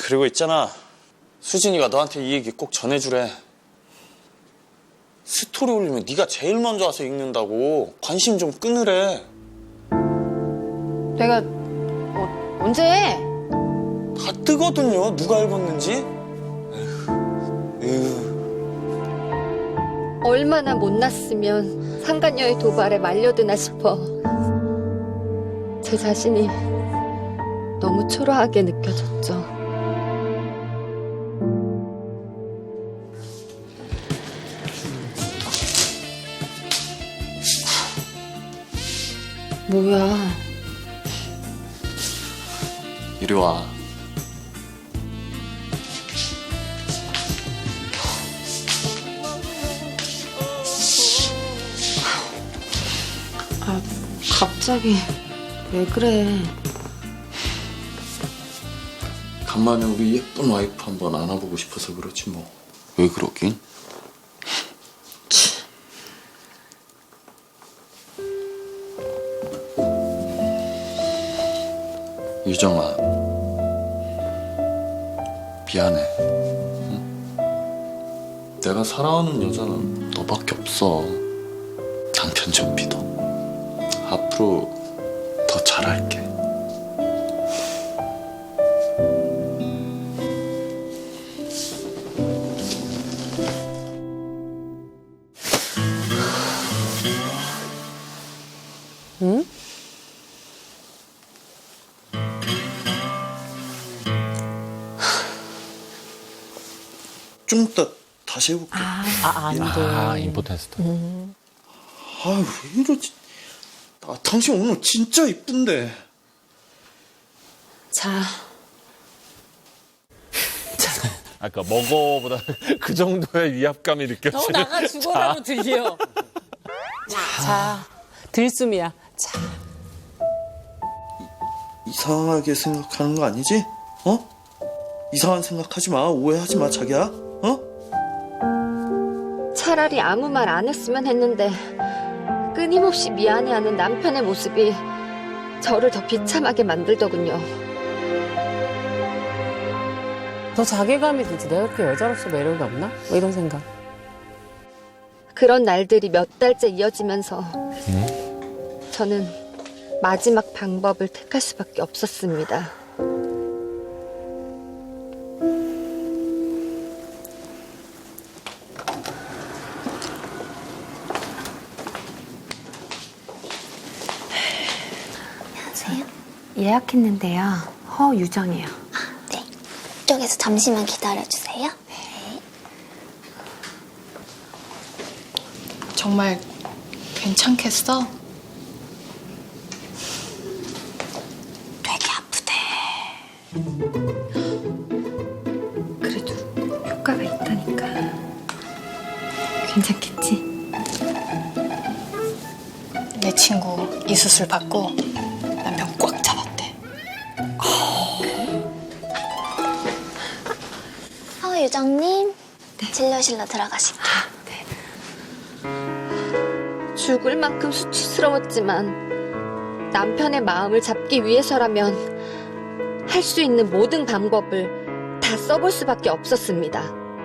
그리고 있잖아. 수진이가 너한테 이 얘기 꼭 전해주래. 스토리 올리면 네가 제일 먼저 와서 읽는다고. 관심 좀 끊으래. 내가 언제 해? 다 뜨거든요. 누가 읽었는지. 에휴. 얼마나 못났으면 상간녀의 도발에 말려드나 싶어. 제 자신이 너무 초라하게 느껴졌죠. 뭐야? 이리 와. 아, 갑자기 왜 그래? 간만에 우리 예쁜 와이프 한번 안아보고 싶어서 그렇지 뭐. 왜 그러긴? 유정아, 미안해. 응? 내가 사랑하는 여자는 너밖에 없어. 남편 좀 믿어. 앞으로 더 잘할게. 응? 좀 이따 다시 해볼게. 안 돼. 아, 임포텐스다. 아유, 왜 이러지? 당신 오늘 진짜 이쁜데. 자, 아까 먹어보다 그 정도의 위압감이 느껴지는. 나가 죽어라고 들려. 자, 들숨이야. 자, 이상하게 생각하는 거 아니지? 어? 이상한 생각하지 마. 오해하지 마, 자기야. 어? 차라리 아무 말 안 했으면 했는데 끊임없이 미안해하는 남편의 모습이 저를 더 비참하게 만들더군요. 더 자괴감이 들지. 내가 그렇게 여자로서 매력이 없나? 뭐 이런 생각. 그런 날들이 몇 달째 이어지면서 저는 마지막 방법을 택할 수밖에 없었습니다. 안녕하세요. 예약했는데요. 허유정이에요. 네. 이쪽에서 잠시만 기다려주세요. 네. 정말 괜찮겠어? 되게 아프대. 그래도 효과가 있다니까. 괜찮겠지? 내 친구 이 수술 받고 남편 꽉 잡았대. 유정님, 진료실로 들어가실게요. 죽을 만큼 수치스러웠지만 남편의 마음을 잡기 위해서라면 할 수 있는 모든 방법을 다 써볼 수밖에 없었습니다.